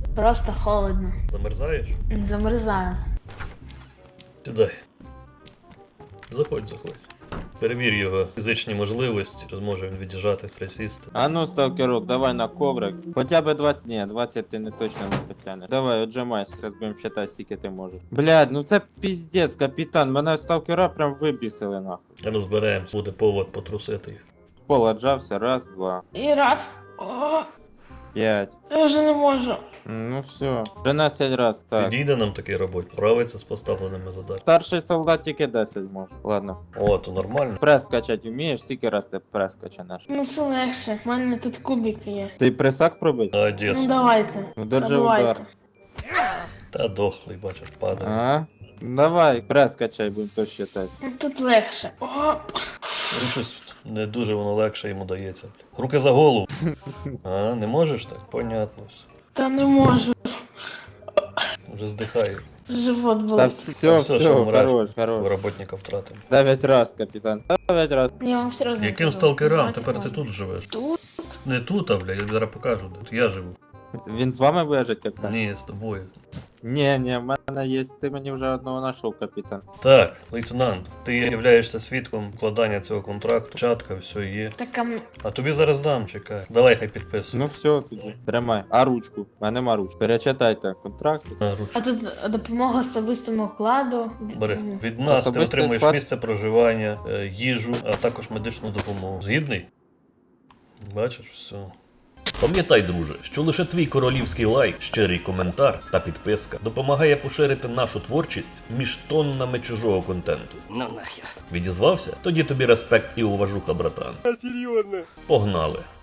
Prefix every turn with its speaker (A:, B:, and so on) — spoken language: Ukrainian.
A: Просто холодно.
B: Замерзаєш?
A: Замерзаю.
B: Сідай. Заходь. Перевір його фізичні можливості, чи зможе він від'їжджати, присісти.
C: А ну, сталкерок, давай на коврик. Хоча б 20, ні, 20 ти не точно не потягнеш. Давай, отжимайся, зараз будемо считати, скільки ти можеш. Блядь, ну це піздець, капітан, мене сталкера прям вибісили нахуй.
B: Розберемось, буде повод потрусити їх.
C: Пол отжався, раз, два,
A: І раз. О,
C: 5.
A: я вже не можу.
C: Ну все, 13 раз, так.
B: Підійде нам такий робот, справиться з поставленими задачами.
C: Старший солдат тільки 10 може. Ладно.
B: О, то нормально.
C: Прес качать вмієш, скільки раз ти прес качанеш?
A: Ну це легше. У мене тут кубики є.
C: Ти пресак пробить?
A: Ну
B: Молодець.
A: давайте.
C: Ну держи
A: Давайте.
C: удар.
B: Та дохлий, бачиш, падає.
C: Ага. Давай, прес качай, будемо то считати.
A: Ну тут легше. О,
B: Ну щось не дуже воно легше йому дається. Руки за голову. А, не можеш так? Понятно все.
A: та не можу.
B: Вже здихає.
A: Живот
C: Та
A: болить.
C: все,
B: що вмреш.
C: хорош, хорош.
B: Роботника втратив.
C: 9 раз, капітан. 9 раз.
A: Я вам серйозно
B: Яким
A: кажу.
B: сталкерам?
A: Давайте,
B: Тепер ти
A: давайте.
B: тут живеш.
A: Тут?
B: Не тут, а блядь, я зараз покажу, де. Тут я живу.
C: Він з вами буде жити, капітан?
B: Ні, з тобою.
C: Ні, в мене є, ти мені вже одного знайшов, капітан.
B: Так, лейтенант, ти являєшся свідком вкладання цього контракту. Чатка, все є.
A: Так,
B: А тобі зараз дам, чекай. Давай хай підписуй.
C: Ну все, тоді. Тримай. А ручку? У мене нема ручки. Перечитайте контракт.
B: На ручку.
A: а тут допомога особистому вкладу.
B: Бери. Від нас ти
C: Особистий
B: отримуєш
C: склад.
B: місце проживання, їжу, а також медичну допомогу. Згідний? Бачиш, все.
D: Пам'ятай, друже, що лише твій королівський лайк, щирий коментар та підписка допомагає поширити нашу творчість між тоннами чужого контенту.
E: Ну нахер.
D: Відізвався? Тоді тобі респект і уважуха, братан. Серйозно? Погнали.